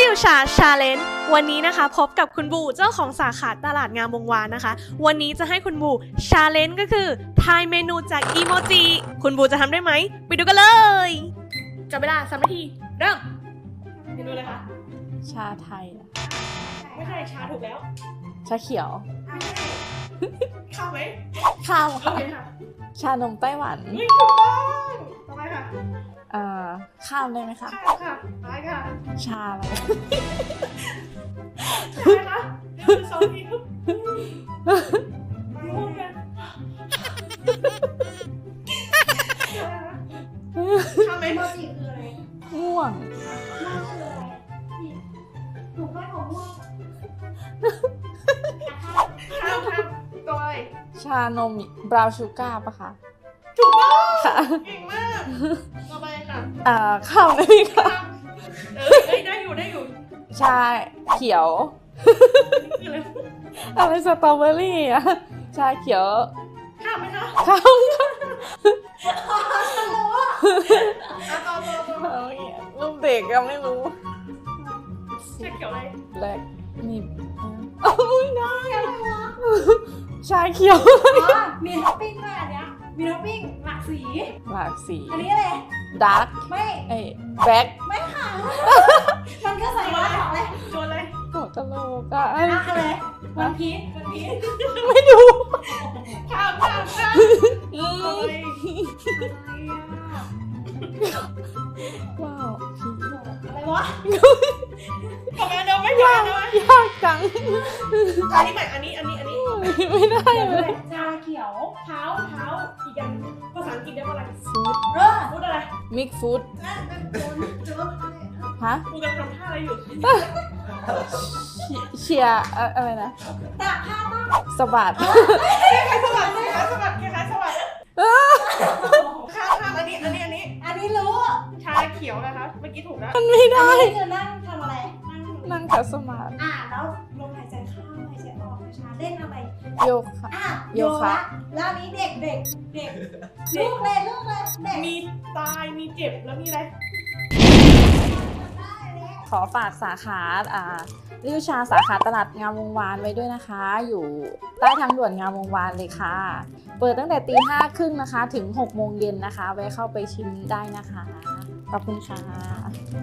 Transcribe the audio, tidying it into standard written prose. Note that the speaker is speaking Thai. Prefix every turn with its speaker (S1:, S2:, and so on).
S1: วชาชาเลนจ์วันนี้นะคะพบกับคุณบูเจ้าของสาขาตลาดงามวงวานนะคะวันนี้จะให้คุณบูชาเลนจ์ก็คือทายเมนูจากอีโมจิคุณบูจะทำได้ไหมไปดูกันเลยจับเวลา3 นาทีเริ่มเมนูเลยค่ะ
S2: ชาไทยอะ
S1: ไม่ใช่ชาถูกแล้ว
S2: ชาเขียว
S1: ข้าวไหม
S2: ข้าว
S1: โอ
S2: ค่ะ
S1: เคค่ะ
S2: ชานมไต้หวัน
S1: ถูกต้องต่อไปค่ะ
S2: ข้าวได้ไหมคะ
S1: ข้าวค่ะไปค่ะ
S2: ชาอะไร
S1: ใช่ไหมคะ1 2 ทีม่วงกันข้าวไหม
S3: โมจิคืออะไร
S2: ม่วง
S3: ม่วงคืออะไรถูกไหมของม่วง
S1: ข้าวต่อไป
S2: ชานมบราวน์ชูการ์ปะคะ
S1: ถูกต้อง
S2: ค่ะ
S1: เก่งมากต่อไปค่ะ
S2: ข้าวได้ไหมคะ
S1: ได้อยู่
S2: ชาเขียว
S1: คืออะไร
S2: อะไรสตรอเบอรี่อะชาเขียว
S1: ข้าวไหมคะ
S2: ข้าว
S1: ต่อ
S2: รูปเด็กก็ไม่รู้
S1: ชาเขียวอะไร
S2: แบล็กมีไม่ได้ชาเขียว
S3: อ๋อมีท็อปปิ้งด้วยอันเนี้ยมีท็อปปิ้งหลากสี
S2: หลากสี
S3: อันนี้อะไร
S2: ดาร์ก
S3: ไม่
S2: แบล็ก
S3: ไม่ค่ะ มันก็ใส่มาของเลย
S1: โจนอะไร
S2: หัวกะโหลกอะ
S3: อะไรวันพีช
S2: ไม่ดู
S1: ข้าว
S2: อื
S1: ต่อ
S2: ม
S1: ไป
S2: ว้าวผี
S3: อะไรวะ
S1: ต่อไปเดี๋ยวไม่ยากนะ
S2: ยากจัง
S1: อันนี้ใหม่อันนี้
S2: ไม่ได้
S3: เดี๋ยว
S2: เล
S3: ด้วย ยชาเขียว
S1: เท้าอีกอย่างภาษาอังกฤษเรียกว่าอะไร
S2: ฟู้ด
S1: พูดอะไร
S2: มิกฟู้ด
S3: นั่นเป็นโจน
S2: ฮะ
S1: กูกำลังทำท่าอะไรอยู่
S2: เชียร์อะไรนะ
S3: ตากผ้าบ้าง
S2: สะบัด
S1: คล้ายๆสวัสดีสวัสดีข้ามอันนี้
S3: อันนี้รู้
S1: ชาเขียวนะคะเมื่อกี้ถูกแล้ว
S2: มันไม่ได้
S3: อันนี้คือนั่งทำอะไร
S2: นั่งขัดสมาธิ
S3: แล้วลมหายใจเข้าหายใจออกช้าเล่นอะไร
S2: โยคะ โยคะ
S3: แล้วอันนี้เด็กลูกเลยเด็ก
S1: มีตายมีเจ็บแล้วมีอะไร
S2: ขอฝากสาขาริวชาสาขาตลาดงามวงวานไว้ด้วยนะคะ อยู่ใต้ทางด่วนงามวงวานเลยค่ะ เปิดตั้งแต่ตี 5:30 นะคะ ถึง 6 โมงเย็นนะคะ แวะเข้าไปชิมได้นะคะ ขอบคุณค่ะ